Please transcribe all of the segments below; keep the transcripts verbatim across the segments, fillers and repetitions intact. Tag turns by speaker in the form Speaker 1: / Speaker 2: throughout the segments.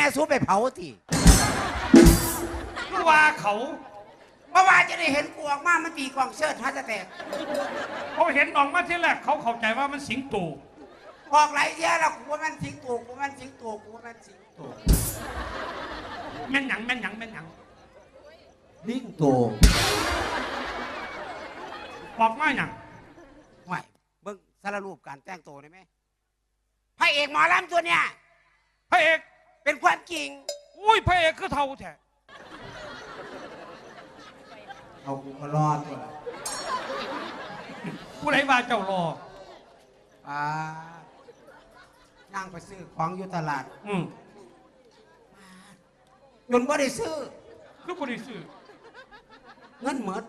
Speaker 1: สู้ไปเผาที
Speaker 2: เมื่อว่าเขา
Speaker 1: เมื่อวานจะได้เห็นกูออกมามันตีกองเชิดท่าจะแตก
Speaker 2: เขาเห็นออกมาที่แรกเขาเข้าใจว่ามันสิงโต
Speaker 1: ออกไหลเยอะแล้วกูว่ามันสิงตัวกูมันสิงตัวกูว่ามันสิงตัว
Speaker 2: แม่นหยังแม่นหยังแม่นหยัง
Speaker 1: ลิงตัว
Speaker 2: บอกมาหยัง
Speaker 1: ไม่เบิ่งสารรูปการแต่งตัวได้ไหมพระเอกหมอลำตัวเนี้ย
Speaker 2: พระเอก
Speaker 1: เป็นความจริง
Speaker 2: อุ้ยพระเอกคือเท่าแท้
Speaker 1: เอากูมารอตัว
Speaker 2: ผู้ใดว่าเจ้ารอ
Speaker 1: อ่านั่งไปซื้อของอยู่ตลาด
Speaker 2: อืม
Speaker 1: จนบ่ได้ซื้อ
Speaker 2: คือบ่ได้ซื้อ
Speaker 1: เงินหมด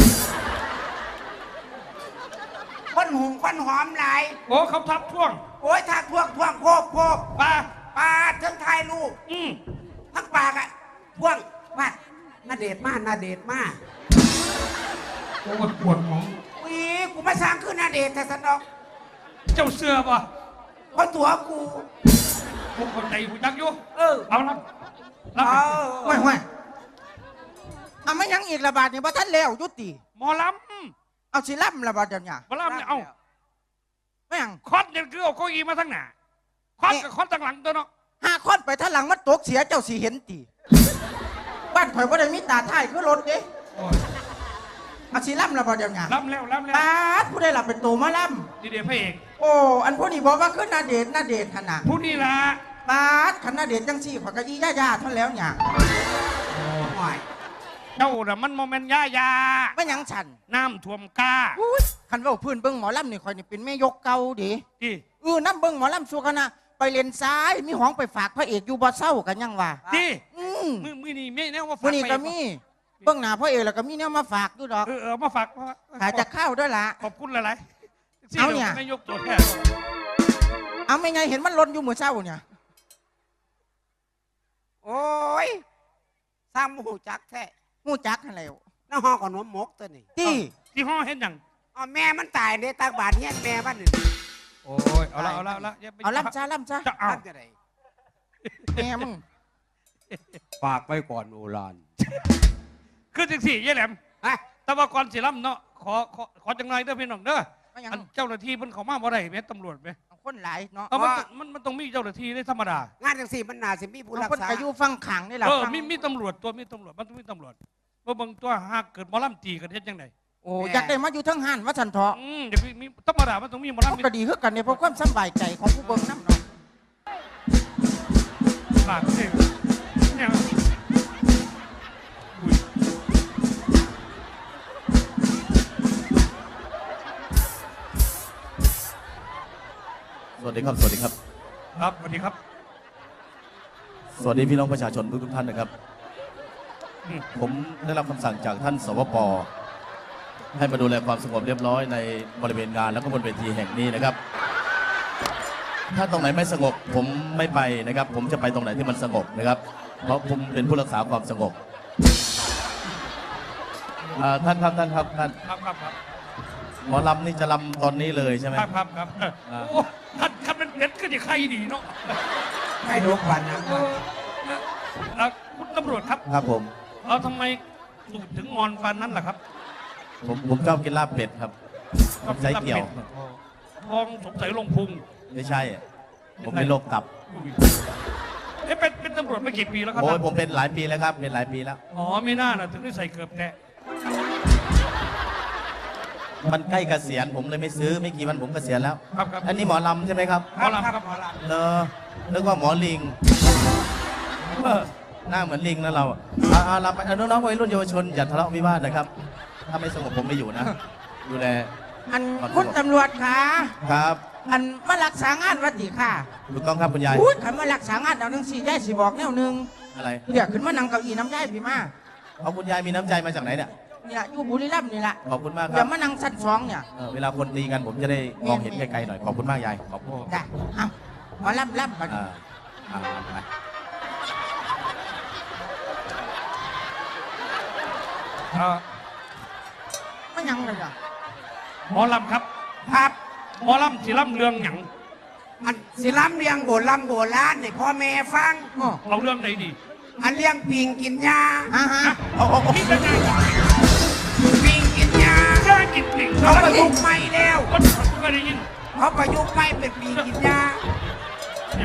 Speaker 1: คนหุงคนหอมหลาย
Speaker 2: โอ้เขาทับท่วง
Speaker 1: โอ้ยทักท่วงท่วงโคกโคก
Speaker 2: ปลา
Speaker 1: ปลาทั้งไทยลูก
Speaker 2: อืม
Speaker 1: ทั้งปากอะท่วงว่าน่าเดชมากน่าเดชมาก
Speaker 2: โอ้ปวดหมอง
Speaker 1: วีกูมาสร้างขึ้นน่าเดชแต่สนอก
Speaker 2: เจ้าเสือป่ะ
Speaker 1: เพราะตัวกู
Speaker 2: กูคนใจกูจักอยู่
Speaker 1: เออ
Speaker 2: เอาละ
Speaker 1: เอา
Speaker 3: ห่วยห่วยเอาไม่ยังอีกระบาดนี่ว่าท่านแล้วยุติ
Speaker 2: หมอล
Speaker 3: ำเอาสิล่ำระบาดเดี๋ยวนี้
Speaker 2: หมอลำเนี่ยเอา
Speaker 3: ไม่ยัง
Speaker 2: คอดเนี่ยคือเอาเก้าอี้มาทั้งหน้าคอดกับคอดทั้งหลังตัวเนาะ
Speaker 3: ห้าคอดไปท่านหลังมันตกเสียเจ้าสีเห็นตีบ้านข่อยว่าได้มีตาท้ายคือรถเด้เอาสิล่ำระบาดเดี๋ยวนี้
Speaker 2: ล่ำแล้วล่ำแล้ว
Speaker 3: ตาผู้ได้หลับเป็นตัวมาล่
Speaker 2: ำดีเดียพระเอก
Speaker 3: โอ้อันพวกนี้บอกว่าขึ้นนาเดชนาเดชขนาด
Speaker 2: ผู้นี่ละ
Speaker 3: ตาขนาดเดชจังสี่ผักกะยี่ย่าย่าท่านแล้วเนี่ย
Speaker 2: เจ้าน่ะมันโมเมนต์ย่ายา
Speaker 3: ไม่ยังฉัน
Speaker 2: น้ำท่วมกา
Speaker 3: คันว่าพื้นเบิ้งหมอลำนี่คอยนี่เป็นแม่ยกเก่าดิ
Speaker 2: ดิ
Speaker 3: เออน้ำเบิ้งหมอลำสัวคณะไปเลนซ้ายมีห้องไปฝากพระเอกอยู่บ่เศร้ากันยังวะ
Speaker 2: ดิมือมือนี่ไม่แน่ว่าฝากมื
Speaker 3: อนี่ก็มีเบิ้งหน้าพระเอกแล้วก็มีเนี่ยมาฝากดูดอก
Speaker 2: เออเออมาฝาก
Speaker 3: หาจะเข้าด้วยล่ะ
Speaker 2: ขอบคุณหลาย
Speaker 3: ๆเอาเนี่ย
Speaker 2: ไม่ยกตัวแทน
Speaker 3: เอาไม่ไงเห็นมันล้นอยู่มือเศร้าเนี่ย
Speaker 1: โอ้ยซ้ำหูจักแท้
Speaker 3: หูจักอะไร
Speaker 1: น้าห้องกับนมมกตัวนี้
Speaker 3: ที่
Speaker 2: ที่ห้องเห็นยัง
Speaker 1: อ๋อแม่มันตายในตากบาดเฮียนแม่บ้านหนึ่ง
Speaker 2: โอ้ยเอาละเอาละเอาละ
Speaker 3: เอาล่ำจ้าล่ำจ้า
Speaker 2: จะเอา
Speaker 3: แม่มึง
Speaker 1: ฝากไปก่อนโอราน
Speaker 2: คือจังสี่ยี่แหลมแต่ว่าก่อนสิล่ำเนาะขอขอขอจังไรเด้อพี่น้องเด้อเจ้าหน้าที่เพิ่นเขามาบ่ได้แม่ตำรวจไหม
Speaker 3: คนหลายเนาะ
Speaker 2: มันมันต้องมีเจ้าหน้าที่ได้ธรรมดาง
Speaker 1: านจังสี่มันน่าสิมีผู้รักษา
Speaker 3: คนอยู่ฟังขังนี่แหละ
Speaker 2: เออมีมีตำรวจตัวมีตำรวจมันต้องมีตำรวจว่าบางตัวหากเกิดมอลำตีกันเฮ็ดยังไง
Speaker 3: โอ้อยากได้มาอยู่ทั้งหันว่าฉันเถาะ
Speaker 2: อืมเดี๋ยวมีธรรมดามันต้องมีมอลำ
Speaker 3: ก็ดีขึ้นกันเนี่ยเพราะความสบายใจของผู้เบิ่งน้ำเนาะ
Speaker 2: ฝากสิเนี่ย
Speaker 4: สวัสดีครับสวัสดีครับ
Speaker 2: ครับสวัสดีครับ
Speaker 4: สวัสดีพี่น้องประชาชนทุกท่านนะครับผมได้รับคำสั่งจากท่านสวป.ให้มาดูแลความสงบเรียบร้อยในบริเวณงานแล้วก็บนเวทีแห่งนี้นะครับถ้าตรงไหนไม่สงบผมไม่ไปนะครับผมจะไปตรงไหนที่มันสงบนะครับเพราะผมเป็นผู้รักษาความสงบท่านครับท่านครับท่าน
Speaker 2: ครับครับครับ
Speaker 4: หมอลำนี่จะลำตอนนี้เลยใช่ไหม
Speaker 2: ครับครับครับโอ้ท่านท่านเป็นเด็ดก็จะใครดีเนาะ
Speaker 1: ให้ดูควันนะ
Speaker 2: คุณตำรวจครับ
Speaker 4: ครับผม
Speaker 2: เราทำไมสูดถึงงอนฟันนั้นล่ะครับ
Speaker 4: ผมผมชอบกินลาบเป็ดครับใช้เกี่ยว
Speaker 2: ทองสงสัยลงพุง
Speaker 4: ไม่ใช่ผมเป็นโรคตับ
Speaker 2: เอ๊ะเป็นเป็นตำรวจมากี่ปีแล้วครับ
Speaker 4: โอ้ยผมเป็นหลายปีแล้วครับเป็นหลายปีแล้ว
Speaker 2: อ๋อไม่น่านะถึงได้ใส่เกือบแกะ
Speaker 4: มันใกล้เกษียณผมเลยไม่ซื้อไม่กี่วันผมเกษียณแล้ว
Speaker 2: ครับครับ
Speaker 4: อันนี้หมอลำใช่ไหมครับ
Speaker 2: หมอลำครับหมอลำ
Speaker 4: เนอะนึกว่าหมอลิงหน้าเหมือนลิงนะเราอ่าเราไปน้องๆวัยรุ่นเยาวชนอย่าทะเลาะวิวาทนะครับถ้าไม่สงบผมไม่อยู่นะดูแล
Speaker 3: อันคุณตำรวจค่ะ
Speaker 4: ครับ
Speaker 3: อันมารักษางานวัดดีค่ะ
Speaker 4: ถูกต้องครับคุณยาย
Speaker 3: พูดคำมารักษางานเอาหนึ่งสี่ยายสีบอกแนวหนึ่ง
Speaker 4: อะไร
Speaker 3: เดี๋ยวขึ้นมานั่งเก้าอี้น้ำยายพี่มา
Speaker 4: เอาคุณยายมีน้ำใจมาจากไหนเนี่ย
Speaker 3: เนี่ยอยู่บุรีรัมย์นี่แหละ
Speaker 4: ขอบคุณมากครับ
Speaker 3: เดี๋ยวมานั่งชั้นสองเนี่ย
Speaker 4: เวลาคนตีกันผมจะได้มองเห็นไกลๆหน่อยขอบคุณมากยายขอบคุณ
Speaker 3: ได้เอามาล่ำล่ำไปไม่ยังเลยอ่ะ
Speaker 2: หมอลำครับ
Speaker 1: ครับ
Speaker 2: หมอลำสิลำเรื่องหยัง
Speaker 1: อันสิล้ำเลี้ยงโบราณโบราณนี่พ่อแม่ฟัง
Speaker 3: อ้อ
Speaker 2: เอาเรื่องไหนดี
Speaker 1: อันเลี้ยงปิงกินยา
Speaker 3: อ่าฮะ
Speaker 4: เอาเอาเอา
Speaker 2: นี่จะไง
Speaker 1: ปิงกินยา
Speaker 2: ย่ากินปิ่ง
Speaker 1: เขา
Speaker 2: เขา
Speaker 1: ประยุกต์ใหม่แล้ว
Speaker 2: คนก็ได้ยิน
Speaker 1: เขาประยุกต์ใหม่เป็นปิงกินยา
Speaker 2: เนี่ย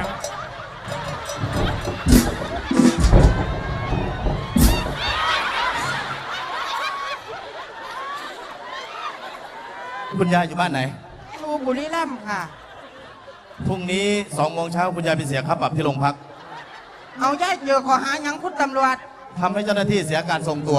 Speaker 4: คุณยายอยู่บ้านไหน
Speaker 3: ดูบุรีรัมย์ค่ะ
Speaker 4: พรุ่งนี้สองโมงเช้าคุณยายไปเสียค่าปรับที่โรงพัก
Speaker 3: เอาย่ายเจอขอหาหยังคุณตำรวจ
Speaker 4: ทำให้เจ้าหน้าที่เสียการทรงตัว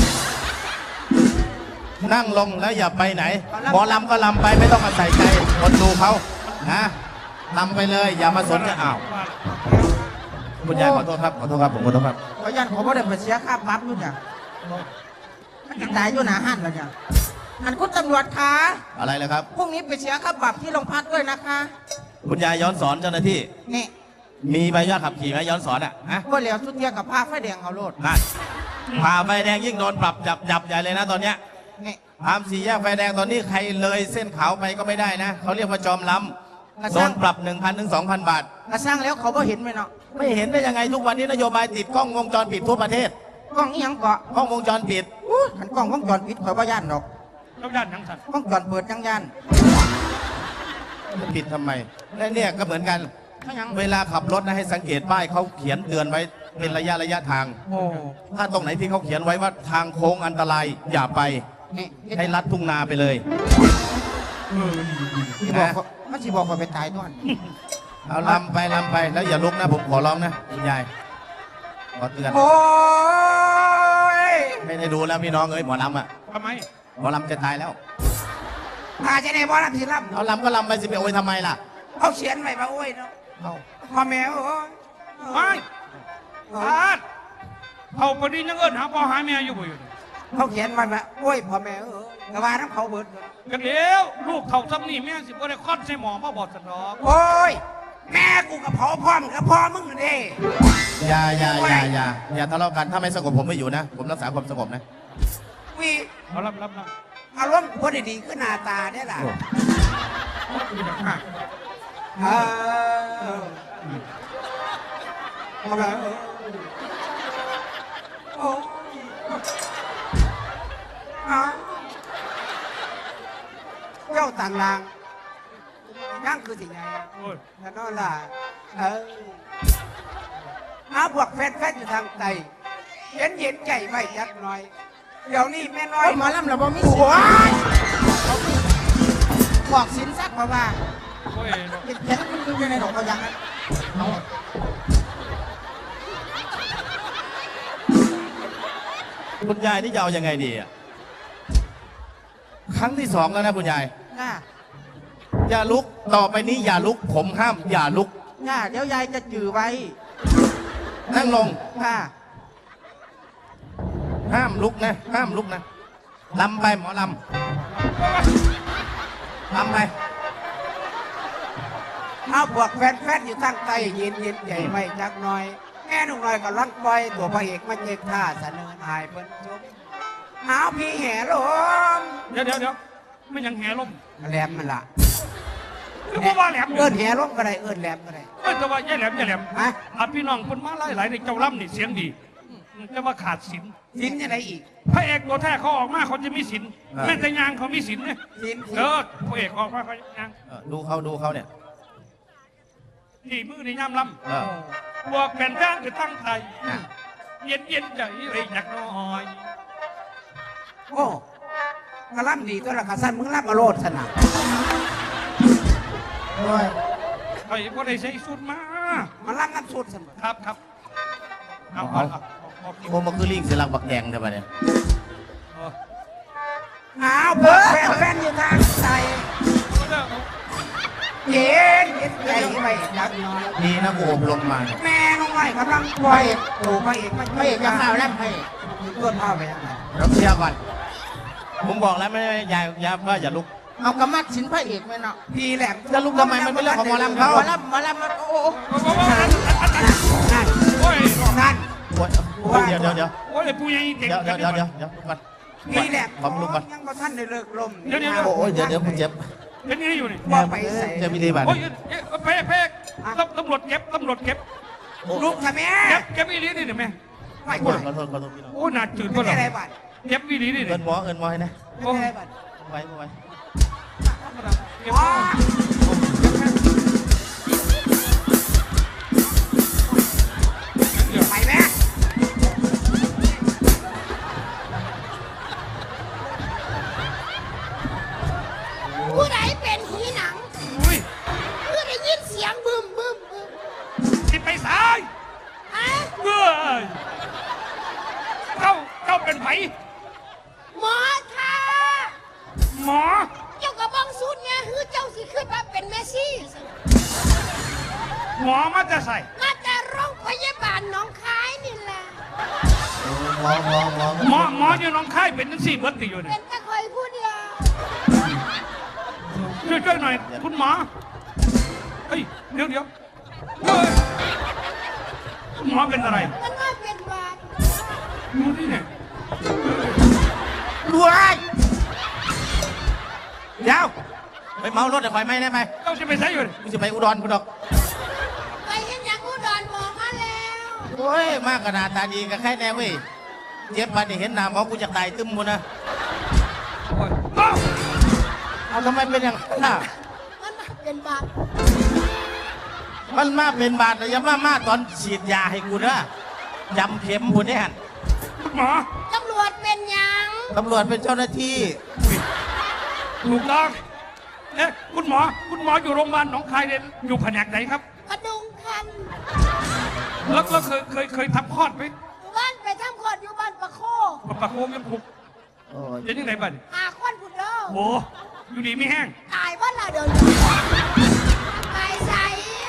Speaker 4: นั่งลงแล้วอย่าไปไหนหมอลำก็ลำไปไม่ต้องมาใส่ใจคนดูเขานะลำไปเลย อย่ามาสนใจอ้าวคุณยายขอโทษครับขอโทษครับผมขอโทษครับ
Speaker 3: ขอยันขอบ่ได้ไปเสียค่าปรับนู่นจ้ะมันจะตายอยู่หนาหันแล้วจ้ะอันคุณตำรวจคะ
Speaker 4: อะไรเลยครับ
Speaker 3: พรุ่งนี้ไปเสียค่าปรับที่โรงพักด้วยนะคะ
Speaker 4: คุณยายย้อนสอนเจ้าหน้าที่
Speaker 3: นี่
Speaker 4: มีใบอนุญาตขับขี่ไหมย้อนสอนอ่ะฮะ
Speaker 3: ว่าเหลียวสุดเทียกับผ้าไฟแดงเอาโลด
Speaker 4: นั่นผ่าไฟแดงยิ่งโดนปรับจับจับใหญ่เลยนะตอนเนี้ย
Speaker 3: นี่
Speaker 4: ตามสี่แยกไฟแดงตอนนี้ใครเลยเส้นขาวไปก็ไม่ได้นะเขาเรียกว่าจอมล้ำโดนปรับ หนึ่งพัน ถึง สองพัน บาท
Speaker 3: กระสร้างแล้วเขาบ่เห็นไหมเนาะ
Speaker 4: ไม่เห็นได้ยังไงทุกวันนี้นโยบายติดกล้องวงจรปิดทั่วประเทศ
Speaker 3: กล้องอีหยังเกาะ
Speaker 4: กล้องวงจรปิด
Speaker 3: อู้ขันกล้องวงจรปิดข่อยบ่ย่านดอก
Speaker 2: ต้องด้านทั้งสัตว์
Speaker 3: วงจรเปิดจังย่าน
Speaker 4: จะปิดทำไมและเนี่ยก็เหมือนกัน
Speaker 3: ไม่หยัง
Speaker 4: เวลาขับรถนะให้สังเกตป้ายเขาเขียนเตือนไว้เป็นระยะระยะทาง
Speaker 3: โอ้
Speaker 4: ถ้าตรงไหนที่เขาเขียนไว้ว่าทางโค้งอันตรายอย่าไป
Speaker 3: นี่
Speaker 4: ให้ลัดทุ่งนาไปเลย
Speaker 3: ที่บอกเขามันสิบอกเขาไปตายด้วย
Speaker 4: เอาลำไปลำไปแล้วอย่าลุกนะผมขอร้องนะคุณยายขอเตือน
Speaker 1: โอ้ย
Speaker 4: ไม่ได้ดูแล้วพี่น้องเอ้ยหมอลำอ่ะ
Speaker 2: ทำไม
Speaker 4: หมอลำจะตายแล้ว
Speaker 1: พาจะได้บ่รับสิรับ
Speaker 4: เอาลำก็ลำไปสิไปโอยทำไมล่ะ
Speaker 1: เขาเขียนไว้ว่าโอ้ยเนาะ
Speaker 4: เอา
Speaker 1: พ่อแม่โอ้ย
Speaker 2: ไม่พาดเขาพอดียังเอิ้นหาพ่อหาแม่อยู่บ่อยู่
Speaker 1: เขาเขียนไว้ว่าโอ้ยพ่อแม่เออแต่ว่าน้ำเขาเบิด
Speaker 2: กันเดียวลูกเขาซ้ำนี่แม่สิบ่ได้คลอดใส่หมอมาบอดสนอก
Speaker 1: โอ้ยแม่กูกับพ่อพ่อมึงกับพ่อมึงเด้
Speaker 4: อย่าอย่าอย่าอย่าอย่าทะเลาะกันถ้าไม่สงบผมไม่อยู่นะ ผมรักษาความสงบนะ
Speaker 1: วี
Speaker 2: เอารับรับรับ
Speaker 1: อารมณ์พอดีๆขึ้นหน้าตาเนี่ยล่ะเออพ่อแม่เออโอ้ยอ้าวเจ้าต่างลางยังคือสิ่งไง
Speaker 2: โอ้ย
Speaker 1: นั่นล่ะเออเอาพวกแฟนๆอยู่ทางใต้เย็นเย็นๆใจไว้จักหน่อย เดี๋ยวนี้แม่น้อ
Speaker 3: โอ้
Speaker 1: ย
Speaker 3: ยหมอลำเราบ่มี
Speaker 1: โอ้
Speaker 3: สิน
Speaker 1: ย
Speaker 3: บอกสินสักเพราะว่า
Speaker 2: โอ้ย
Speaker 3: เห็นแค่คุณอยู่ในดอกเขายังนั้นเอา
Speaker 4: คุณยายนี่จะเอายังไงดีอ่ะครั้งที่สองแล้วนะคุณยาย
Speaker 3: จ้า
Speaker 4: อย่าลุกต่อไปนี้อย่าลุก ผมห้ามอย่าลุก
Speaker 3: จ้าเดี๋ยวยายจะจือไว้
Speaker 4: นั่งลง
Speaker 3: ค่ะ
Speaker 4: ห้ามลุกนะ ห้ามลุกนะลำไปหมอลำลำไป
Speaker 1: เอาพวกแฟนๆอยู่ทางใต้เย็นเย็นๆใจไว้จักหน่อย แม่หนุ่มน้อยก็ลังปล่อยตัวพระเอกมาเจ็กท่าเสนอหายเพิ่นชมเอาพี่แห่ลม
Speaker 2: เดี๋ยวเดี๋ยวเดี๋ยวไม่ยังแห่ลม
Speaker 1: แหลมมันล่ะ
Speaker 2: คือบ่ว่าแหลม
Speaker 1: เอิ้นแห่ลมก็ได้เอิ้นแหลมก็ได้
Speaker 2: เอ้ยแต่ว่าแย่แหลมแย่แหลม
Speaker 1: ฮะ
Speaker 2: อาพี่น้องคนมาหลายหลายในเจ้าล่ำนี่เสียงดีแต่ว่าขาดศีล
Speaker 1: สินยังไงอีก
Speaker 2: พระเอกตัวแท้เขาออกมาเขาจะมีศีลแม่แต่ยางเขามีศีลเนี่ย
Speaker 1: สิน
Speaker 2: เออพระเอกออกมาเขายาง
Speaker 4: เออดูเขาดูเขาเนี่ย
Speaker 2: นี่มือในย่ำล่
Speaker 4: เออ
Speaker 2: ำบวกแผ่นย่างคือตั้งไทยเย็นเย็นๆใจไอ้หนักน้อย
Speaker 1: โอ้กระลำดีตัวละกระสันมึงรับมาโลดสนะ
Speaker 3: โอ้ย
Speaker 2: ไอ้พวกได้ใช้สุดมา
Speaker 1: มันรับน้ำสุดสม
Speaker 2: ครับครับเอาเอาเอาเอา
Speaker 4: โอ้มันคือลิงเสียหลักบักแดงใช่ไหมเนี่ย
Speaker 2: เอา
Speaker 1: เอาพวกแฟนๆอยู่ทางใต้เย็นเย็นใจไว้จักหน่อย
Speaker 4: ดีนะกูอบรมมาเนี่ย
Speaker 1: แม่น้องน้อยกำลังปล่อยตัวพระเอกมัน
Speaker 3: พระเอกจะข่าวแล้วพระเอก
Speaker 1: ตัวเท่าไปยังไง
Speaker 4: เดี๋ยวเคลียร์ก่อน ผมบอกแล้วไม่ไม่ยายยายว่าอย่าลุก
Speaker 3: เอากระมัดสินพระเอกไหมเนาะ
Speaker 1: พี่แหลม
Speaker 4: จะลุกทำไมมันเป็นเรื่องของหมอลำเขา
Speaker 3: หมอลำหมอลำมันโอ้โห
Speaker 1: นั่นนั่น
Speaker 2: โอ้ย
Speaker 1: นั่น
Speaker 4: โอ้ยโอ้ยเดี๋ยวเดี๋ยวเดี๋ยว
Speaker 2: โอ้ยผู้ใหญ่เด็ก
Speaker 4: เดี๋ยวเดี๋ยวเดี๋ยวเดี๋ยวเดี๋ยวลุกก่อน
Speaker 1: พี่แหลม
Speaker 4: ผมลุกก่อน
Speaker 1: ยังบ่ท่านได้เลิกลม
Speaker 4: โอ้ยเดี๋ยวเดี๋ยวผมเจ็บ
Speaker 2: เป็นยังไงอยู่นี่
Speaker 1: ว่าไปใส่
Speaker 4: เจอพิธีบัตร
Speaker 2: โอ้ยเอ๊ะเพ่เพ่ตำรวจเก็บตำรวจเก็บ
Speaker 1: ลูกทำไม
Speaker 2: เก็บเก็บอีหลีนี่เดี๋ยวแม่
Speaker 1: ไม่
Speaker 4: ข
Speaker 1: ไหว
Speaker 4: อโทษขอโทษพี่น้อง
Speaker 2: โอ้หนาจืด
Speaker 1: ไม่
Speaker 2: ก็หรอ
Speaker 1: ได้บัตร
Speaker 2: เก็บอีหลีนี่
Speaker 4: เอิ
Speaker 2: เดี๋ย
Speaker 4: นหมอเอินหมอให้นะ
Speaker 1: ไม่ได้บัตร
Speaker 4: ไว้ไว้
Speaker 2: เก็บ
Speaker 1: อ๋อไปแม่
Speaker 5: ผู้ใดเป็นผีหนัง
Speaker 2: อุ้ย
Speaker 5: ผู้ได้ยินเสียงบึมบึมบึม
Speaker 2: สิไปสาย
Speaker 5: ฮะ
Speaker 2: เอ้ยเจ้าเจ้าเป็นไผ
Speaker 5: หมอค่ะ
Speaker 2: หมอ
Speaker 5: เจ้ากระบองสุดเนี่ยคือเจ้าสิขึ้นมาเป็นเมสซี่
Speaker 2: หมอมาจะใส่
Speaker 5: มาแต่โรงพยาบาลหน้องคายนี่แหละ
Speaker 4: หมอหมอหมอ
Speaker 2: หมอหมออยู่หน้องค่ายเป็นทั้งสี่เบิร์ตติอยู่เนี่
Speaker 5: เป็
Speaker 2: ย
Speaker 5: นแต่คอยผู้เดียว
Speaker 2: ช่วยช่วยหน่อยคุณหมอเฮ้ยเดี๋ยวเดี๋ยวเฮ้ยคุณหมอเป็นอะไร
Speaker 5: มันว่าเป็นบาด
Speaker 2: ดูนี่เนี่ย
Speaker 4: รวยเดี๋ยวไปเมารถเดี๋ยวไฟไหม้ได้ไหม
Speaker 2: เจ้าจะไปใส่อยู่เนี่ย
Speaker 4: กูจะไปอุดรกูดอก
Speaker 5: ไปเห็นอย่างอุดรหมอมาแล้ว
Speaker 4: โอ้ยมากขนาดตาดีกับใครแน่เว้ยเจ็บปานนี่เห็นหน้าหมอกูจะตายตึมหมดนะ
Speaker 2: โอ้ยเอ้า
Speaker 4: เอาทำไมเป็นอย่างนั้นน่ะ
Speaker 5: มันว่าเป็นบาด
Speaker 4: มันมาเป็นบาดแต่อยังมามาตอนฉีดยาให้กูนะยำเข็มกูเนี่ย
Speaker 2: คุณหมอ
Speaker 5: ตำรวจเป็นหยัง
Speaker 4: ตำรวจเป็นเจ้าหน้าที่
Speaker 2: ถูกต้องเอ๊ะคุณหมอ คุณหมออยู่โรงพยาบาลหนองคายเรียนอยู่แผนกไหนครับ
Speaker 5: กระดุงคัน
Speaker 2: แล้วแล้วเคยเคยเคยทำคลอดไหม
Speaker 5: บ้านไปทำคลอดอยู่บ้านปะโค
Speaker 2: ปะปะโคมยังผูก
Speaker 4: โอ้ย
Speaker 2: เดี๋ยวยังไงบ้าง
Speaker 5: หาควันผุดเด้อ
Speaker 2: โอ้อยู่ดีไม่แห้ง
Speaker 5: ตายบ้านละเดินไปใส่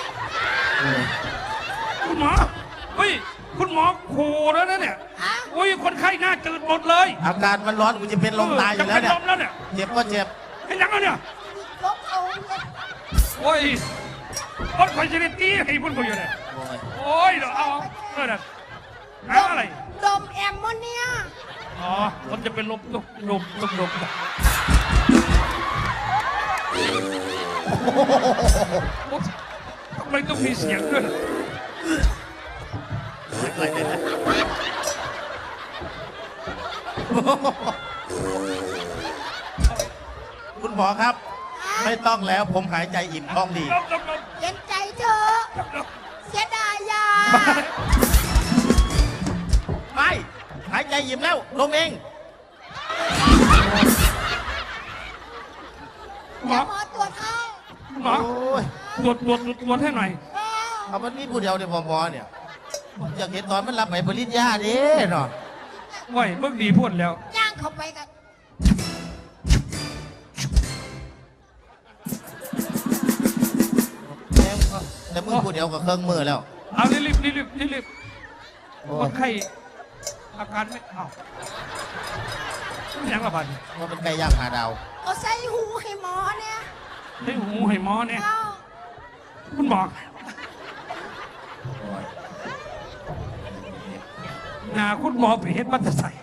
Speaker 2: คุณหมอเฮ้ยคุณหมอโคแล้วนะเนี่ย
Speaker 5: ฮะ
Speaker 2: โอ้ยคนไข้หน้าจืดหมดเลย
Speaker 4: อากาศมันร้อนกูจะเป็นลมตายอยู่แล้ว
Speaker 2: จะ
Speaker 4: เนี่ย
Speaker 2: เป็นลมแล้วเนี่ย
Speaker 4: เจ็บก็เจ็บ
Speaker 2: เห็นยังไงเนี่ย
Speaker 5: ลบเอาเนี่ย
Speaker 2: โอ้ยคนคอยจะได้ตีให้พุ่นเขาอยู่เนี่ย
Speaker 4: โอ้ย
Speaker 2: โอ้ยเดี๋ยวเอาเออเดี๋ยวน้ำอะไร
Speaker 5: ดมแอมโมเนีย
Speaker 2: อ๋อคนจะเป็นลมลมลมลมลมโอ้ทำไมต้องมีเสียงด้วย
Speaker 4: คุณหมอครับ ไม่ต้องแล้วผมหายใจอิ่มท้องดี
Speaker 2: ลมลมลม
Speaker 5: เห็นใจเธอ
Speaker 2: ลม
Speaker 5: เสียดายยา
Speaker 4: ไม่หายใจอิ่มแล้วลงเอง
Speaker 2: หมอ
Speaker 5: เดี๋ยวหมอตรวจให้
Speaker 2: หมอ
Speaker 4: โอ้ย
Speaker 2: ตรวจตรวจตรวจให้หน่อย
Speaker 5: เออ
Speaker 4: เอามันนี่ผู้เดียวเนี่ยหมอหมอเนี่ยผมอยากเห็นตอนมันรับไปปริญญาเด้เนาะ
Speaker 2: โอ้ยเมื่อดีพูดแล้ว
Speaker 5: ย่างเข้าไปกัน
Speaker 4: แม่งก็แต่มือผู้เดียวกับเครื่องมือแล้ว
Speaker 2: เอารีบรีบรีบรีบรีบ
Speaker 4: โอ้
Speaker 2: คนไข้อาการไม่เอายังละบาด
Speaker 4: ว่าเป็นไก่ย่างหาดาว
Speaker 5: เอาใส่หูให้หมอเนี่ย
Speaker 2: ให้หูให้หมอเนี่ย
Speaker 5: เอา
Speaker 2: คุณหมอ
Speaker 4: โอ้ย
Speaker 2: หนาคุณหมอไปเฮ็ดมัตใส่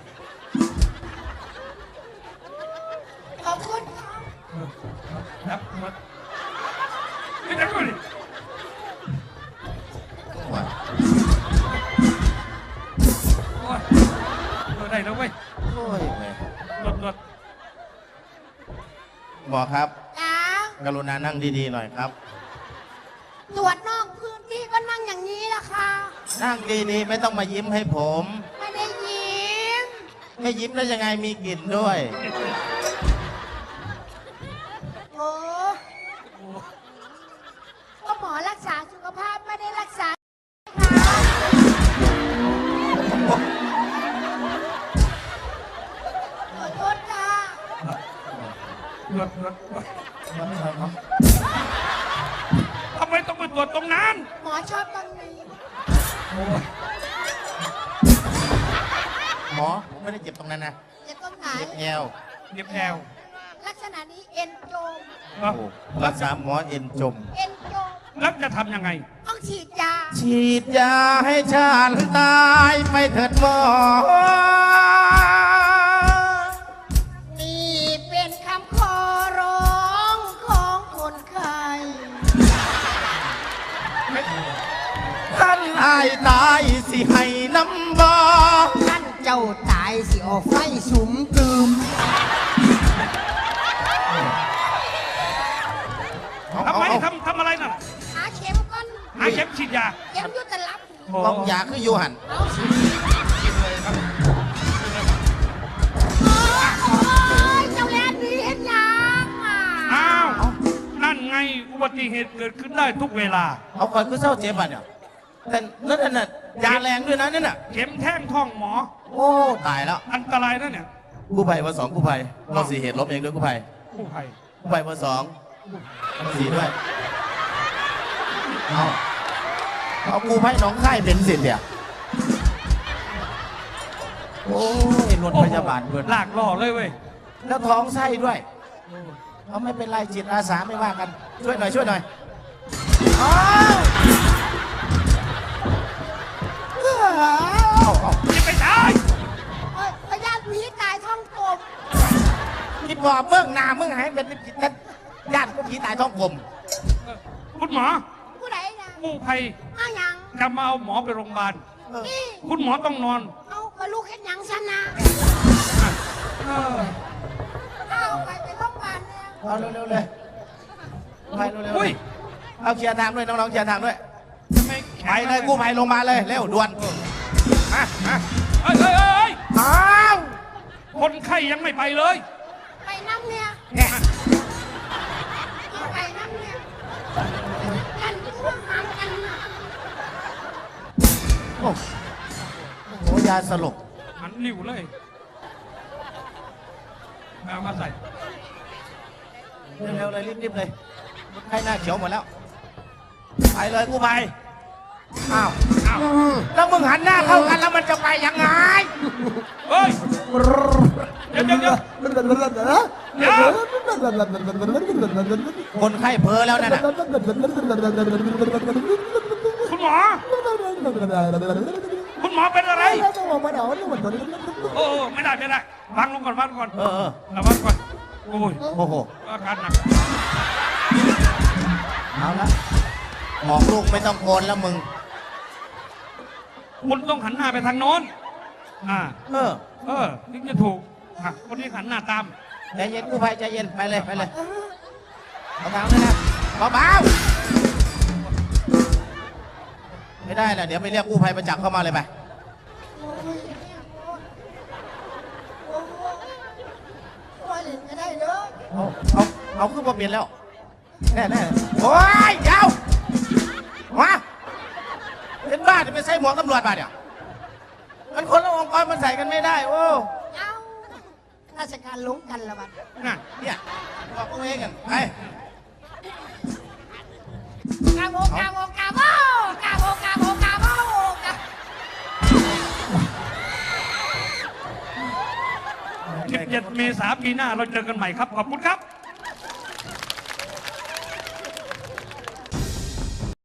Speaker 5: ขอบคุณครับ
Speaker 2: ครับหมดไม่ได้ก็ดิ
Speaker 4: โอ้ย
Speaker 2: โอ้ยเออได้แล้วเว้ย
Speaker 4: โอ้ยแม่
Speaker 2: หลดหลด
Speaker 4: หมอครับ
Speaker 5: จ้าก
Speaker 4: รุณานั่งดีๆหน่อยครับ
Speaker 5: ตรวจนอกพื้นที่ก็นั่งอย่างนี้ละค่ะ
Speaker 4: นั่งดีๆไม่ต้องมายิ้มให้ผม
Speaker 5: ไม่ได้ยิ้ม
Speaker 4: ไม่ยิ้มแล้วยังไงมีกลิ่นด้วย
Speaker 5: โอ้ก็หมอรักษาสุขภาพไม่ได้รักษาขอโทษค่ะ
Speaker 2: หลดหลดหลดทำไมต้องไปตรวจตรงนั้น
Speaker 5: หมอชอบตรงนี้
Speaker 2: โอ้ย
Speaker 4: หมอผมไม่ได้เจ็บตรงนั้นนะ
Speaker 5: จะตรงไหน
Speaker 4: เจ็บแอว
Speaker 2: เก็บแอว
Speaker 5: ลักษณะนี้เอ็นโจม
Speaker 2: เอ้า
Speaker 4: โอ้รักษาหมอเอ็นจม
Speaker 5: เอ็นโจม
Speaker 2: แล้วจะทำยังไง
Speaker 5: ต้องฉีดยา
Speaker 4: ฉีดยาให้ฉันตายไปเถิดหมอ
Speaker 5: นี่เป็นคำขอร้องขอ
Speaker 4: ายตายสิให้น้ำบอ
Speaker 5: ท่านเจ้าตายสิออกไฟสุมกลืม
Speaker 2: ทำไมทำทำอะไรน่ะ
Speaker 5: หาเข็มก่อน
Speaker 2: หาเข็มฉีดยา
Speaker 5: เข็มอยุตลับ
Speaker 4: ต้องอยากคืออยู่หัน
Speaker 5: เอาสิโอ้ยเจ้าแลนดีเห็นยังอ่ะ
Speaker 2: อ้าว นั่นไงอุบัติเหตุเกิดขึ้นได้ทุกเวลา
Speaker 4: เอาก่อนคือเศร้าเจ็บอ่ะเนี่ยแต่นั่นน่ะยาแรงด้วยนะนั่นน่ะ
Speaker 2: เข็มแท่งท้องหมอ
Speaker 4: โอ้ตายแล้ว
Speaker 2: อันตรายนะเนี่ย
Speaker 4: กู้ภัยวันสองกู้ภัยเราสี่เหตุลบเองด้วยกู้ภัย
Speaker 2: ผู้ภัย
Speaker 4: กู้ภัยวันสองวันสี่ด้วยเอาเอากู้ภัยหน้องค่ายเป็นสิทธิ์เนี่ยโอ้ยรถพยาบาลเพื่อน
Speaker 2: ลากล่อเลยเว้ย
Speaker 4: แล้วท้องไส้ด้วยเอาไม่เป็นไรจิตอาสาไม่ว่ากัน ช่วยหน่อยช่วยหน่อยอ้าวเอาเอา
Speaker 2: จะไปตาย
Speaker 5: เอ้ยพยาธิผีตายท้องกลม
Speaker 4: คิดว่าเมื่องหนาเมื่องหายเป็นจิตนั้นญาติก็ผีตายท้องกลม
Speaker 2: คุณหมอ
Speaker 5: ผู้ใดนะ
Speaker 2: กู้ภัย
Speaker 5: เอาหยัง
Speaker 2: จะมาเอาหมอไปโรงพยาบาล
Speaker 5: นี่
Speaker 2: คุณหมอต้องนอน
Speaker 5: เอากระลูกเห็นหยังฉันนะ
Speaker 2: เออ
Speaker 5: เอาไปไปโรงพยาบาลเนี่ย
Speaker 4: เอาเร็วๆเลยไปเร็วๆ
Speaker 2: อุ้ย
Speaker 4: เอาเคลียร์ทางด้วยน้องๆเคลียร์ทางด้วย
Speaker 2: ทำไมแข็
Speaker 4: ไป
Speaker 2: ง
Speaker 4: เลยกู้ภัยลงมาเลยเร็วด่วนมามา
Speaker 2: เอ้ยเอ้ยเอ้ย
Speaker 4: อ้าว
Speaker 2: คนไข้ยังไม่ไปเลย
Speaker 5: ไปน้ำเนี่ย
Speaker 4: เนี่ย
Speaker 5: เอาไปน้ำเนี่ยกันพวกหามกันนะ
Speaker 4: โอ้โหยาสลบ
Speaker 2: หันริ้วเลยเอามาใส่
Speaker 4: เร็วๆเลยรีบๆเลยคนไข้หน้าเขียวหมดแล้วไปเลยกู้ภัยอ้าว
Speaker 2: อ้าว
Speaker 4: แล้วมึงหันหน้าเข้ากันแล้วมันจะไปยังไง
Speaker 2: เฮ้ย เดี๋ยวเดี๋ยวเดี๋ยวเดี๋ยว
Speaker 4: คนไข้เพ้อแล้วนั่นน่ะ
Speaker 2: คุณหมอ คุณหมอเป็นอะไร โอ้โอ้ไม่ได้ไม่ได้วางลงก่อนวางลงก่อน
Speaker 4: เออเออ
Speaker 2: ระวังก่อน โอ้ย
Speaker 4: โอ้โห
Speaker 2: อาการหนัก
Speaker 4: เอาละบอกลูกไม่ต้องโกนแล้วมึง
Speaker 2: คุณต้องหันหน้าไปทางโน้น อ่า
Speaker 4: เออ
Speaker 2: เออถึงจะถูกอ่ะคนที่หันหน้าตาม
Speaker 4: ใจเย็นกู้ภัยใจเย็นไปเลยไปเลยเอาทางด้วยนะเบาๆไม่ได้แหละเดี๋ยวไปเรียกกู้ภัยประจักษ์เข้ามาเลยไป
Speaker 5: โอ้ยเนี่ยโอ้ยโอ้ยเล่นก็ได้เด้อ
Speaker 4: เอาเอาเอาขึ้นมาเปลี่ยนแล้วแน่แน่โอ้ยยาวมาเป็นบ้าจะไปใส่หมวกตำรวจมาเนี่ยมันคนละองค์กรมันใส่กันไม่ได้โอ้
Speaker 5: เอาราชการหลงกันละบัด
Speaker 2: น่ะ
Speaker 4: เนี่ยบอกตัวเองกันไป
Speaker 5: กาโบกาโบกาโบกาโบกาโบกาโบกา
Speaker 2: สิบเจ็ดเมษายนปีหน้าเราเจอกันใหม่ครับ ขอบคุณครับ